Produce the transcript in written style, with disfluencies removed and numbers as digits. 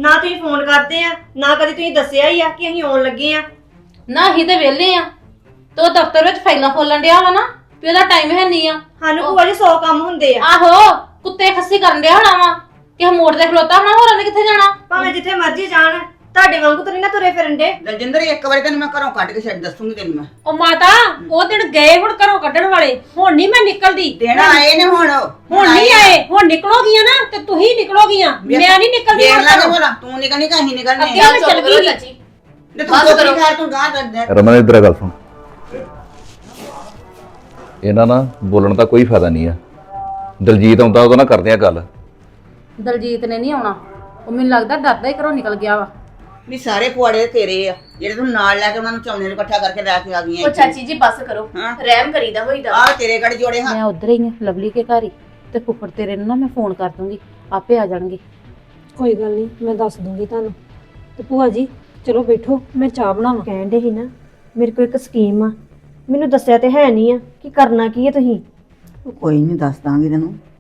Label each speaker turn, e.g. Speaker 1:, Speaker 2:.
Speaker 1: ਨਾ ਤੁਸੀਂ ਫੋਨ ਕਰਦੇ ਆ, ਨਾ ਕਦੀ ਤੁਸੀਂ ਦੱਸਿਆ ਹੀ ਆ ਕਿ ਅਸੀਂ ਆਉਣ ਲੱਗੇ ਆ।
Speaker 2: ਨਾ ਅਸੀਂ ਤੇ ਵਿਹਲੇ ਆ ਤੇ ਉਹ ਦਫ਼ਤਰ ਵਿੱਚ ਫਾਈਲਾਂ ਖੋਲਣ ਡਿਆ ਵਾ ਨਾ ਵੀ ਉਹਦਾ ਟਾਈਮ ਹੈ ਨਹੀਂ ਆ।
Speaker 1: ਸਾਨੂੰ ਭੂਆ ਜੀ 100 ਕੰਮ ਹੁੰਦੇ ਆ।
Speaker 2: ਆਹੋ ਕੁੱਤੇ ਖੱਸੀ ਕਰਨ ਡਿਆ ਹੋਣਾ ਵਾ ਕਿ ਮੋੜ ਤੇ ਖਲੋਤਾ ਹੋਣਾ, ਹੋਰ ਉਹਨੇ ਕਿੱਥੇ ਜਾਣਾ?
Speaker 1: ਭਾਵੇਂ ਜਿੱਥੇ ਮਰਜ਼ੀ ਜਾਣ, ਤੁਹਾਡੇ ਵਾਂਗੂ ਤਾਂ ਨਹੀਂ ਨਾ ਤੁਰੇ ਫਿਰਨ ਦੇ।
Speaker 3: ਦਲਜਿੰਦਰ ਇੱਕ ਵਾਰੀ ਤੈਨੂੰ ਮੈਂ ਘਰੋਂ ਕੱਢ ਕੇ ਛੱਡ ਦੱਸੂਗੀ ਤੈਨੂੰ ਮੈਂ।
Speaker 4: ਉਹ ਮਾਤਾ ਉਹ ਦਿਨ ਗਏ ਹੁਣ ਘਰੋਂ ਕੱਢਣ ਵਾਲੇ, ਹੁਣ ਨਹੀਂ ਮੈਂ ਨਿਕਲਦੀ।
Speaker 3: ਦਿਨ ਆਏ ਨੇ ਹੁਣ
Speaker 4: ਨਹੀਂ ਆਏ, ਹੁਣ ਨਿਕਲੋਗੀਆਂ ਨਾ ਤੇ ਤੁਸੀਂ ਨਿਕਲੋਗੀਆਂ, ਮੈਂ ਨਹੀਂ ਨਿਕਲਦੀ।
Speaker 3: ਦੇਖ ਲਾਂਗੇ ਭਲਾ, ਤੂੰ ਨਿਕਲਣੀ ਕਿ ਅਸੀਂ ਨਿਕਲਣੇ
Speaker 4: ਅੱਗੇ ਮੈਂ ਚੱਲ ਗਈ ਚਾਚੀ।
Speaker 3: ਤੇ ਤੂੰ ਚੁੱਪ ਕਰ, ਤੂੰ ਗਾਂ ਦੱਸ।
Speaker 5: ਰਮਨ ਇਧਰ ਗੱਲ ਸੁਣ, ਇਹਨਾਂ ਨਾਲ ਬੋਲਣ ਦਾ ਕੋਈ ਫਾਇਦਾ ਨਹੀਂ ਆ। ਦਲਜੀਤ ਆਉਂਦਾ ਉਹਦਾ ਨਾਲ ਕਰਦੇ ਆ ਗੱਲ।
Speaker 2: ਦਲਜੀਤ ਨੇ ਨਹੀਂ ਆਉਣਾ, ਉਹ ਮੈਨੂੰ ਲੱਗਦਾ ਡਰਦਾ ਹੀ ਘਰੋਂ ਨਿਕਲ ਗਿਆ ਵਾ।
Speaker 3: ਵੀ ਸਾਰੇ ਪੁਆੜੇ ਤੇਰੇ ਆ ਜਿਹੜੇ ਤੂੰ ਨਾਲ ਲੈ ਕੇ ਉਹਨਾਂ ਨੂੰ ਚੌਨੇ ਨੂੰ ਇਕੱਠਾ ਕਰਕੇ ਲੈ ਕੇ ਆ ਗਈਆਂ।
Speaker 6: ਉਹ ਚਾਚੀ ਜੀ ਬੱਸ ਕਰੋ,
Speaker 3: ਹਾਂ।
Speaker 6: ਰਹਿਮ ਕਰੀਦਾ ਹੋਈਦਾ।
Speaker 3: ਆ ਤੇਰੇ ਗੜ ਜੋੜੇ ਹਾਂ।
Speaker 2: ਮੈਂ ਉਧਰ ਹੀ ਆ ਲਵਲੀ ਕੇ ਘਰ ਹੀ, ਤੇ ਫੁੱਫੜ ਤੇਰੇ ਨੂੰ ਨਾ ਮੈਂ ਫੋਨ ਕਰ ਦੂੰਗੀ, ਆਪੇ ਆ ਜਾਣਗੇ।
Speaker 7: ਕੋਈ ਗੱਲ ਨਹੀਂ, ਮੈਂ ਦੱਸ ਦੂੰਗੀ ਤੁਹਾਨੂੰ। ਤੇ ਭੂਆ ਜੀ ਚਲੋ ਬੈਠੋ, ਮੈਂ ਚਾਹ ਬਣਾਵਾਂ।
Speaker 1: ਕਹਿੰਦੇ ਸੀ ਨਾ ਮੇਰੇ ਕੋਲ ਇੱਕ ਸਕੀਮ ਆ, ਮੈਨੂੰ ਦੱਸਿਆ ਤੇ ਹੈ ਨਹੀਂ ਆ ਕਿ ਕਰਨਾ ਕੀ ਹੈ ਤੁਸੀਂ।
Speaker 3: ਕੋਈ ਨਹੀਂ ਦੱਸ ਦਾਂਗੀ ਤੈਨੂੰ।